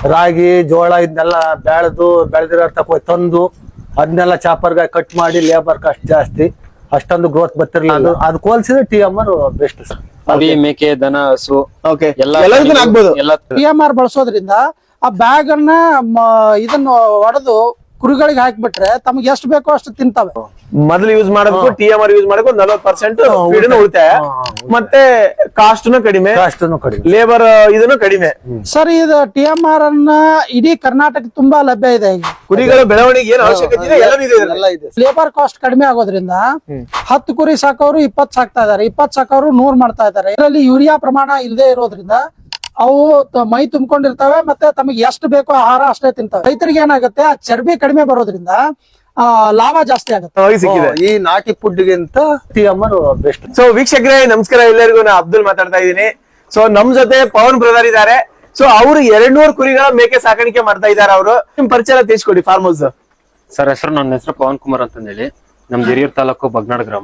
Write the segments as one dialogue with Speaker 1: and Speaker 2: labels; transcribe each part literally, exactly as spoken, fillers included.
Speaker 1: ರಾಗಿ ಜೋಳ ಇದನ್ನೆಲ್ಲ ಬೆಳೆದು ಬೆಳೆದಿರೋ ತಕ್ಕ ತಂದು ಅದನ್ನೆಲ್ಲ ಚಾಪರ್ಗೆ ಕಟ್ ಮಾಡಿ ಲೇಬರ್ ಕಾಸ್ಟ್ ಜಾಸ್ತಿ, ಅಷ್ಟೊಂದು ಗ್ರೋತ್ ಬರ್ತಿರ್ಲಿಲ್ಲ. ಅದಕ್ಕೆ ಹೋಲಿಸಿದ್ರೆ T M R best sir.
Speaker 2: ಕುರಿ ಮೇಕೆ ದನ ಹಸು
Speaker 3: ಎಲ್ಲದಕ್ಕೂ ಆಗ್ಬೋದು.
Speaker 4: ಟಿ ಎಂ ಆರ್ ಬಳಸೋದ್ರಿಂದ ಆ ಬ್ಯಾಗ್ ಅನ್ನ ಇದನ್ನ ಹೊಡೆದು ಕುರಿಗಳಿಗೆ ಹಾಕ್ಬಿಟ್ರೆ ತಮ್ಗೆ ಎಷ್ಟು ಬೇಕೋ ಅಷ್ಟು ತಿಂತಾವೆ.
Speaker 3: ಮೊದಲು ಯೂಸ್ ಮಾಡೋದಕ್ಕೂ ಟಿ ಎಂ ಆರ್ ಯೂಸ್ ಮಾಡೋಕ್ಕೂ ನಲವತ್ತು ಪರ್ಸೆಂಟ್ ಉಳಿತಾಯ, ಮತ್ತೆ ಕಾಸ್ಟ್ ಕಡಿಮೆ, ಲೇಬರ್ ಇದನ್ನು ಕಡಿಮೆ.
Speaker 4: ಸರ್ ಇದು ಟಿ ಎಂ ಆರ್ ಅನ್ನ ಇಡೀ ಕರ್ನಾಟಕ ತುಂಬಾ ಲಭ್ಯ ಇದೆ. ಈಗ
Speaker 3: ಕುರಿಗಳ ಬೆಳವಣಿಗೆ ಏನು ಅವಶ್ಯಕತೆ ಇದೆ ಎಲ್ಲ ಇದೆ.
Speaker 4: ಲೇಬರ್ ಕಾಸ್ಟ್ ಕಡಿಮೆ ಆಗೋದ್ರಿಂದ ಹತ್ತು ಕುರಿ ಸಾಕೋರು ಇಪ್ಪತ್ ಸಾಕ್ತಾ ಇದಾರೆ, ಇಪ್ಪತ್ ಸಾಕೋರು ನೂರ್ ಮಾಡ್ತಾ ಇದಾರೆ. ಇದರಲ್ಲಿ ಯೂರಿಯಾ ಪ್ರಮಾಣ ಇಲ್ಲದೆ ಇರೋದ್ರಿಂದ ಅವು ಮೈ ತುಂಬಿಕೊಂಡಿರ್ತವೆ, ಮತ್ತೆ ತಮಗೆ ಎಷ್ಟು ಬೇಕೋ ಆಹಾರ ಅಷ್ಟೇ ತಿಂತವೆ. ರೈತರಿಗೆ ಏನಾಗುತ್ತೆ, ಆ ಚರ್ಬಿ ಕಡಿಮೆ ಬರೋದ್ರಿಂದ ಆ ಲಾಭ ಜಾಸ್ತಿ ಆಗುತ್ತೆ.
Speaker 1: ಈ ನಾಟಿ ಫುಡ್ಗಿಂತ T M R best.
Speaker 3: So ವೀಕ್ಷಕರೇ ನಮಸ್ಕಾರ, ಎಲ್ಲರಿಗೂ ನಾ ಅಬ್ದುಲ್ ಮಾತಾಡ್ತಾ ಇದ್ದೀನಿ. ಸೊ ನಮ್ ಜೊತೆ ಪವನ್ ಬ್ರದರ್ ಇದ್ದಾರೆ. ಸೊ ಅವರು ಎರಡ್ ನೂರು ಕುರಿಗಳ ಮೇಕೆ ಸಾಕಾಣಿಕೆ ಮಾಡ್ತಾ ಇದ್ದಾರೆ. ಅವರು ನಿಮ್ ಪರಿಚಯ ತಿಳಿಸ್ಕೊಡಿ ಫಾರ್ಮ್ ಹೌಸ್.
Speaker 2: ಸರ್ ಹೆಸರು, ನನ್ನ ಹೆಸರು ಪವನ್ ಕುಮಾರ್ ಅಂತ ಹೇಳಿ, ನಮ್ದು ಹಿರಿಯೂರು ತಾಲೂಕು ಬಗ್ನಾಡ್ ಗ್ರಾಮ.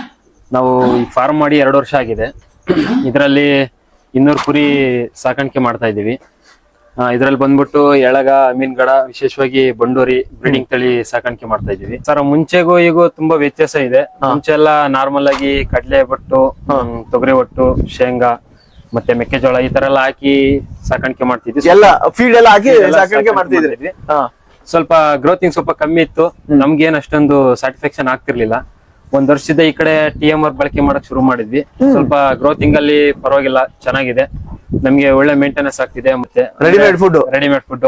Speaker 2: ನಾವು ಈ ಫಾರ್ಮ್ ಮಾಡಿ ಎರಡು ವರ್ಷ ಆಗಿದೆ. ಇದರಲ್ಲಿ ಇನ್ನೂರು ಕುರಿ ಸಾಕಾಣಿಕೆ ಮಾಡ್ತಾ ಇದೀವಿ. ಇದ್ರಲ್ಲಿ ಬಂದ್ಬಿಟ್ಟು ಎಳಗ, ಮೀನ್ಗಡ, ವಿಶೇಷವಾಗಿ ಬಂಡೂರಿ ಬ್ರೀಡಿಂಗ್ ತಳಿ ಸಾಕಾಣಿಕೆ ಮಾಡ್ತಾ ಇದೀವಿ. ಸರ್ ಮುಂಚೆಗೂ ಈಗೂ ತುಂಬಾ ವ್ಯತ್ಯಾಸ ಇದೆ. ಮುಂಚೆ ಎಲ್ಲ ನಾರ್ಮಲ್ ಆಗಿ ಕಡ್ಲೆ ಬಟ್ಟು, ತೊಗರಿ ಒಟ್ಟು, ಶೇಂಗಾ ಮತ್ತೆ ಮೆಕ್ಕೆಜೋಳ ಈ ತರ ಎಲ್ಲ ಹಾಕಿ ಸಾಕಾಣಿಕೆ ಮಾಡ್ತಿದ್ವಿ.
Speaker 3: ಎಲ್ಲ ಫೀಡ್ ಎಲ್ಲ ಹಾಕಿ ಸಾಕಾಣಿಕೆ ಮಾಡ್ತಿದ್ವಿ.
Speaker 2: ಸ್ವಲ್ಪ ಗ್ರೋತಿಂಗ್ ಸ್ವಲ್ಪ ಕಮ್ಮಿ ಇತ್ತು, ನಮ್ಗೇನ್ ಅಷ್ಟೊಂದು ಸ್ಯಾಟಿಸ್ಫ್ಯಾಕ್ಷನ್ ಆಗ್ತಿರ್ಲಿಲ್ಲ. ಒಂದ್ ವರ್ಷದ ಈ ಕಡೆ ಟಿ ಎಂ ಆರ್ ಬಳಕೆ ಮಾಡಕ್ ಶುರು ಮಾಡಿದ್ವಿ. ಸ್ವಲ್ಪ ಗ್ರೋತಿಂಗ್ ಅಲ್ಲಿ ಪರವಾಗಿಲ್ಲ, ಚೆನ್ನಾಗಿದೆ, ನಮ್ಗೆ ಒಳ್ಳೆ ಮೇಂಟೆನೆನ್ಸ್ ಆಗ್ತಿದೆ. ಮತ್ತೆ
Speaker 3: readymade food
Speaker 2: readymade food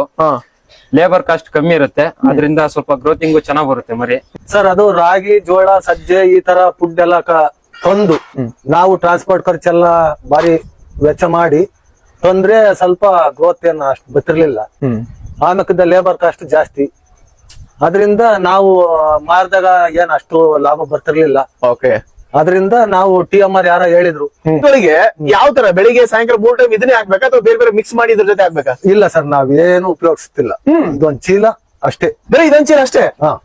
Speaker 2: labour cost ಕಮ್ಮಿ ಇರುತ್ತೆ, ಅದರಿಂದ ಸ್ವಲ್ಪ ಗ್ರೋತಿಂಗ್ ಚೆನ್ನಾಗ್ ಬರುತ್ತೆ ಮರಿ.
Speaker 1: ಸರ್ ಅದು ರಾಗಿ ಜೋಳ ಸಜ್ಜೆ ಈ ತರ ಫುಡ್ ಎಲ್ಲ ತಂದು ನಾವು ಟ್ರಾನ್ಸ್ಪೋರ್ಟ್ ಖರ್ಚೆಲ್ಲ ಬಾರಿ ವೆಚ್ಚ ಮಾಡಿ ತಂದ್ರೆ ಸ್ವಲ್ಪ ಗ್ರೋತ್ ಏನು ಅಷ್ಟು ಬರ್ತಿರ್ಲಿಲ್ಲ. ಆಮೇಲೆ ಲೇಬರ್ ಕಾಸ್ಟ್ ಜಾಸ್ತಿ, ಅದರಿಂದ ನಾವು ಮಾರಿದಾಗ ಏನ್ ಅಷ್ಟು ಲಾಭ ಬರ್ತಿರ್ಲಿಲ್ಲ.
Speaker 3: ಓಕೆ,
Speaker 1: ಅದರಿಂದ ನಾವು ಟಿ ಎಂ ಆರ್ ಯಾರ ಹೇಳಿದ್ರು.
Speaker 3: ಯಾವ ತರ ಬೆಳಿಗ್ಗೆ ಸಾಯಂಕಾಲ ಮೂರ್ ಟೈಮ್ ಇದನ್ನೇ ಹಾಕ್ಬೇಕಾ ಅಥವಾ ಬೇರೆ ಬೇರೆ ಮಿಕ್ಸ್ ಮಾಡಿ ಇದ್ರ ಜೊತೆ ಹಾಕ್ಬೇಕಾ?
Speaker 1: ಇಲ್ಲ ಸರ್, ನಾವೇನು ಉಪಯೋಗಿಸ್ತಿಲ್ಲ. ಇದೊಂದ್ ಚೀಲ ಅಷ್ಟೇ,
Speaker 3: ಬರೀ ಇದೊಂದ್ ಚೀಲ ಅಷ್ಟೇ.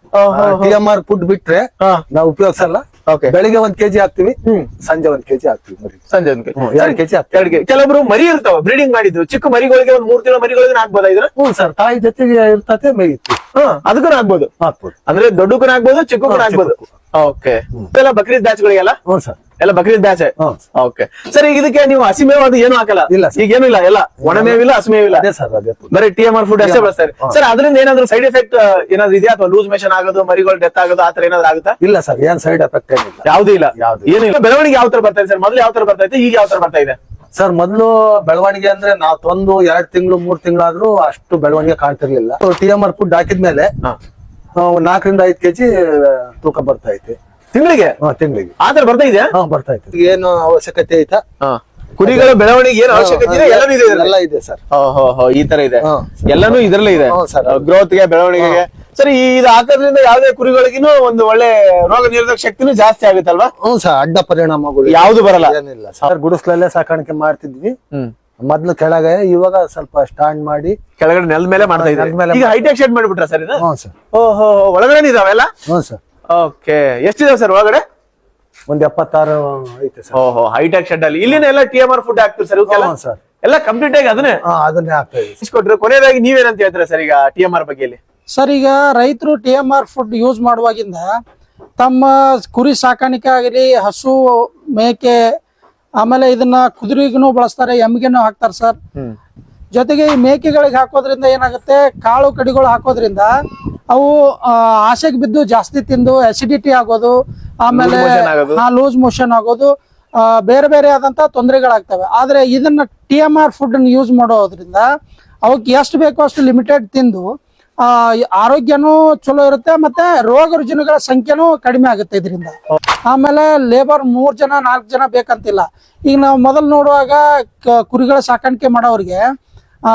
Speaker 1: ಟಿ ಎಂ ಆರ್ ಫುಡ್ ಬಿಟ್ರೆ ನಾವು ಉಪಯೋಗಿಸಲ್ಲ. ಬೆಳಿಗ್ಗೆ ಒಂದ್ ಕೆಜಿ ಹಾಕ್ತಿವಿ, ಸಂಜೆ ಒಂದ್ ಕೆಜಿ ಹಾಕ್ತಿವಿ ಮರಿ.
Speaker 3: ಸಂಜೆ ಒಂದ್ ಕೆಜಿ,
Speaker 1: ಎರಡ್ ಕೆಜಿ
Speaker 3: ಎರಡು ಕೆಜಿ. ಕೆಲವೊಬ್ರು ಮರಿ ಇರ್ತಾವ ಬ್ರೀಡಿಂಗ್ ಮಾಡಿದ್ರು, ಚಿಕ್ಕ ಮರಿಗಳಿಗೆ ಒಂದ್ ಮೂರ್ ತಿಂಗಳ ಮರಿಗಳಿಗೆ ಹಾಕ್ಬೋದಾ ಇದ್ರ?
Speaker 1: ಹ್ಞೂ ಸರ್, ತಾಯಿ ಜೊತೆಗೆ ಇರ್ತತೆ ಮೇಯಿತ್ತು.
Speaker 3: ಅದಕ್ಕೂ ಹಾಕ್ಬೋದು.
Speaker 1: ಹಾಕ್ಬೋದು
Speaker 3: ಅಂದ್ರೆ ದೊಡ್ಡಕ್ಕೂ ಹಾಕ್ಬೋದು, ಚಿಕ್ಕಕ್ಕೂ ಹಾಕ್ಬೋದು. ಓಕೆ, ಎಲ್ಲ ಬಕ್ರೀದ್ ಬ್ಯಾಚ್ ಗಳಿಗೆಲ್ಲ?
Speaker 1: ಹ್ಞೂ ಸರ್,
Speaker 3: ಎಲ್ಲ ಬಕ್ರೀದ್ ಬ್ಯಾಚ್. ಓಕೆ ಸರ್, ಈಗ ಇದಕ್ಕೆ ನೀವು ಹಸಿಮೇವ್ ಅದು ಏನು ಹಾಕಲ್ಲ?
Speaker 1: ಇಲ್ಲ
Speaker 3: ಈಗ ಏನು ಇಲ್ಲ, ಎಲ್ಲ ಒಣಮೇವಿಲ್ಲ, ಹಸಿಮೇವಿಲ್ಲ,
Speaker 1: ಅದೇ ಸರ್, ಅದೇ
Speaker 3: ಬರೀ ಟಿ ಎಂ ಆರ್ ಫುಡ್ ಅಷ್ಟೇ ಬಳಸ್ತಾರೆ. ಸರ್ ಅದರಿಂದ ಏನಾದ್ರು ಸೈಡ್ ಎಫೆಕ್ಟ್ ಏನಾದ್ರು ಇದೆಯಾ, ಅಥವಾ ಲೂಸ್ ಮೇಷನ್ ಆಗೋದು, ಮರಿಗಳು ಡೆತ್ ಆಗೋದು ಆತರ ಏನಾದ್ರು ಆಗುತ್ತಾ?
Speaker 1: ಇಲ್ಲ ಸರ್, ಏನ್ ಸೈಡ್ ಎಫೆಕ್ಟ್ ಏನಿಲ್ಲ,
Speaker 3: ಯಾವ್ದು ಇಲ್ಲ.
Speaker 1: ಯಾವ್ದು
Speaker 3: ಏನಿಲ್ಲ. ಬೆಳವಣಿಗೆ ಯಾವ ತರ ಬರ್ತಾ ಇದೆ ಸರ್? ಮೊದಲು ಯಾವ ತರ ಬರ್ತಾ ಇದೆ, ಈಗ ಯಾವ ತರ ಬರ್ತಾ ಇದೆ?
Speaker 1: ಸರ್ ಮೊದ್ಲು ಬೆಳವಣಿಗೆ ಅಂದ್ರೆ ನಾವ್ ತಂದು ಎರಡ್ ತಿಂಗಳು ಮೂರ್ ತಿಂಗಳಾದ್ರೂ ಅಷ್ಟು ಬೆಳವಣಿಗೆ ಕಾಣ್ತಿರ್ಲಿಲ್ಲ. ಟಿ ಎಂ ಆರ್ ಫುಡ್ ಹಾಕಿದ್ಮೇಲೆ ನಾಲ್ಕರಿಂದ ಐದ್ ಕೆಜಿ ತೂಕ ಬರ್ತಾ ಐತೆ
Speaker 3: ತಿಂಗಳಿಗೆ.
Speaker 1: ತಿಂಗಳಿಗೆ
Speaker 3: ಆತರ ಬರ್ತಾ ಇದೆ.
Speaker 1: ಹಾ ಬರ್ತಾ ಐತೆ. ಏನು ಅವಶ್ಯಕತೆ ಐತಾ
Speaker 3: ಕುರಿಗಳ ಬೆಳವಣಿಗೆ ಏನು ಅವಶ್ಯಕತೆ ಇದೆ? ಎಲ್ಲನೂ ಇದೆ,
Speaker 1: ಎಲ್ಲ ಇದೆ ಸರ್.
Speaker 3: ಈ ತರ ಇದೆ, ಎಲ್ಲಾನು ಇದ್ರಲ್ಲೇ ಇದೆ. ಗ್ರೋತ್ಗೆ, ಬೆಳವಣಿಗೆಗೆ. ಸರಿ, ಇದು ಹಾಕೋದ್ರಿಂದ ಯಾವ್ದೇ ಕುರಿಗಳಿಗೂ ಒಂದು ಒಳ್ಳೆ ರೋಗ ನಿರೋಧಕ ಶಕ್ತಿನೂ ಜಾಸ್ತಿ ಆಗುತ್ತಲ್ವಾ?
Speaker 1: ಹ್ಮ್ ಸರ್, ಅಡ್ಡ ಪರಿಣಾಮಗಳು
Speaker 3: ಯಾವ್ದು ಬರಲ್ಲ.
Speaker 1: ಏನಿಲ್ಲ ಸರ್. ಗುಡಿಸ್ಲಲ್ಲೇ ಸಾಕಾಣಿಕೆ ಮಾಡ್ತಿದ್ವಿ ಮೊದ್ಲು, ಕೆಳಗೆ ಇವಾಗ ಸ್ವಲ್ಪ ಸ್ಟಾಂಡ್ ಮಾಡಿ
Speaker 3: ಕೆಳಗಡೆ ನೆಲದ ಮೇಲೆ ಮಾಡ್ತಾ ಇದ್ದಾರೆ. ಈಗ ಹೈಟೆಕ್ ಶೆಡ್ ಮಾಡಿಬಿಟ್ರ ಸರ್? ಇದು
Speaker 1: ಹ್ಮ್ ಸರ್.
Speaker 3: ಓಹೋ, ಒಳಗಡೆ ಇದಾವೆಲ್ಲ?
Speaker 1: Hmm sir.
Speaker 3: ಓಕೆ, ಎಷ್ಟಿದಾವೆ ಸರ್ ಒಳಗಡೆ?
Speaker 1: ಒಂದ್ ಎಪ್ಪತ್ತಾರು ಐತೆ ಸರ್.
Speaker 3: ಓಹೋ, ಹೈಟೆಕ್ ಶೆಡ್ ಅಲ್ಲಿ ಇಲ್ಲಿನ ಎಲ್ಲ ಟಿ ಎಂ ಆರ್ ಫುಡ್ ಹಾಕ್ತಿವಿ ಸರ್?
Speaker 1: ಸರ್,
Speaker 3: ಎಲ್ಲ ಕಂಪ್ಲೀಟ್ ಆಗಿ ಅದನ್ನೇ
Speaker 1: ಅದನ್ನೇ ಹಾಕ್ತಾ ಇದ್ದೀವಿ.
Speaker 3: ಕೊಟ್ರೆ ಕೊನೆಯದಾಗಿ ನೀವೇನಂತ ಹೇಳ್ತೀರಾ ಸರ್ ಈಗ ಟಿ ಎಂ ಆರ್ ಬಗ್ಗೆ?
Speaker 4: ಸರ್, ಈಗ ರೈತರು T M R food use ಮಾಡುವಾಗಿಂದ ತಮ್ಮ ಕುರಿ ಸಾಕಾಣಿಕೆ ಆಗಲಿ, ಹಸು ಮೇಕೆ, ಆಮೇಲೆ ಇದನ್ನ ಕುದುರೆಗೂ ಬಳಸ್ತಾರೆ, ಎಮ್ಮಿಗೆನೂ ಹಾಕ್ತಾರೆ ಸರ್. ಜೊತೆಗೆ ಈ ಮೇಕೆಗಳಿಗೆ ಹಾಕೋದ್ರಿಂದ ಏನಾಗುತ್ತೆ, ಕಾಳು ಕಡಿಗಳು ಹಾಕೋದ್ರಿಂದ ಅವು ಆಸೆಗೆ ಬಿದ್ದು ಜಾಸ್ತಿ ತಿಂದು ಅಸಿಡಿಟಿ ಆಗೋದು, ಆಮೇಲೆ ಲೂಸ್ ಮೋಷನ್ ಆಗೋದು, ಬೇರೆ ಬೇರೆ ಆದಂತ ತೊಂದರೆಗಳಾಗ್ತವೆ. ಆದ್ರೆ ಇದನ್ನ T M R food use ಮಾಡೋದ್ರಿಂದ ಅವಕ್ಕೆ ಎಷ್ಟು ಬೇಕೋ ಅಷ್ಟು ಲಿಮಿಟೆಡ್ ತಿಂದು ಆ ಆರೋಗ್ಯನೂ ಚಲೋ ಇರುತ್ತೆ, ಮತ್ತೆ ರೋಗ ರುಜಿನಗಳ ಸಂಖ್ಯೆನೂ ಕಡಿಮೆ ಆಗುತ್ತೆ ಇದರಿಂದ. ಆಮೇಲೆ ಲೇಬರ್ ಮೂರ್ ಜನ ನಾಲ್ಕು ಜನ ಬೇಕಂತಿಲ್ಲ. ಈಗ ನಾವು ಮೊದಲು ನೋಡುವಾಗ ಕುರಿಗಳ ಸಾಕಾಣಿಕೆ ಮಾಡೋರಿಗೆ ಆ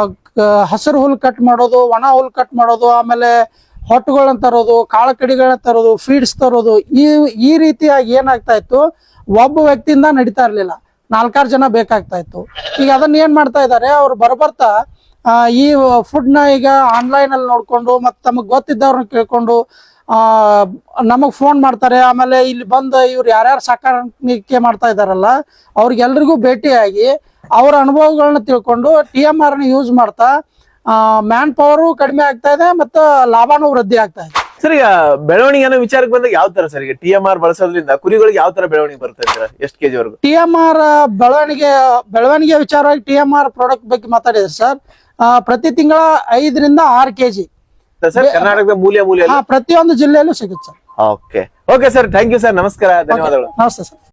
Speaker 4: ಹಸಿರು ಹುಲ್ ಕಟ್ ಮಾಡೋದು, ಒಣ ಹುಲ್ ಕಟ್ ಮಾಡೋದು, ಆಮೇಲೆ ಹೊಟ್ಟುಗಳನ್ನ ತರೋದು, ಕಾಳ ಕಡಿಗಳನ್ನ ತರೋದು, ಫೀಡ್ಸ್ ತರೋದು, ಈ ಈ ರೀತಿಯಾಗಿ ಏನಾಗ್ತಾ ಇತ್ತು, ಒಬ್ಬ ವ್ಯಕ್ತಿಯಿಂದ ನಡೀತಾ ಇರ್ಲಿಲ್ಲ, ನಾಲ್ಕಾರು ಜನ ಬೇಕಾಗ್ತಾ ಇತ್ತು. ಈಗ ಅದನ್ನ ಏನ್ ಮಾಡ್ತಾ ಇದ್ದಾರೆ, ಅವ್ರು ಬರಬರ್ತಾ ಈ ಫುಡ್ ನ ಈಗ ಆನ್ಲೈನ್ ಅಲ್ಲಿ ನೋಡ್ಕೊಂಡು, ಮತ್ತೆ ತಮಗ್ ಗೊತ್ತಿದ್ದವ್ರನ್ನ ಕೇಳ್ಕೊಂಡು ಆ ನಮಗ್ ಫೋನ್ ಮಾಡ್ತಾರೆ. ಆಮೇಲೆ ಇಲ್ಲಿ ಬಂದು ಇವ್ರು ಯಾರ್ಯಾರು ಸಾಕಾಣಿಕೆ ಮಾಡ್ತಾ ಇದಾರಲ್ಲ ಅವ್ರಿಗೆಲ್ರಿಗೂ ಭೇಟಿಯಾಗಿ ಅವ್ರ ಅನುಭವಗಳನ್ನ ತಿಳ್ಕೊಂಡು ಟಿ ಎಂ ಆರ್ ನ ಯೂಸ್ ಮಾಡ್ತಾ ಮ್ಯಾನ್ ಪವರು ಕಡಿಮೆ ಆಗ್ತಾ ಇದೆ ಮತ್ತು ಲಾಭನೂ ವೃದ್ಧಿ ಆಗ್ತಾ ಇದೆ.
Speaker 3: ಸರ್ ಈಗ ಬೆಳವಣಿಗೆ ಅನ್ನೋ ವಿಚಾರಕ್ಕೆ ಬಂದಾಗ ಯಾವ ತರ ಸರ್ ಈಗ ಟಿ ಎಂ ಆರ್ ಬಳಸೋದ್ರಿಂದ ಕುರಿಗಳಿಗೆ ಯಾವ ತರ ಬೆಳವಣಿಗೆ ಬರ್ತಾ ಇದ್ದೀರಾ ಎಷ್ಟು ಕೆಜಿ ವರೆಗೂ?
Speaker 4: ಟಿ ಎಂ ಆರ್ ಬೆಳವಣಿಗೆ ಬೆಳವಣಿಗೆ ವಿಚಾರವಾಗಿ ಟಿ ಎಂ ಆರ್ ಪ್ರಾಡಕ್ಟ್ ಬಗ್ಗೆ ಮಾತಾಡಿದ್ರೆ ಸರ್, ಪ್ರತಿ ತಿಂಗಳ ಐದರಿಂದ ಆರು ಕೆಜಿ
Speaker 3: ಸರ್ ಕರ್ನಾಟಕದ ಮೂಲೆ ಮೂಲೆ
Speaker 4: ಪ್ರತಿಯೊಂದು ಜಿಲ್ಲೆಯಲ್ಲೂ ಸಿಗುತ್ತೆ sir.
Speaker 3: Okay okay sir, thank you sir, ನಮಸ್ಕಾರ, ಧನ್ಯವಾದಗಳು.
Speaker 4: ನಮಸ್ತೆ ಸರ್.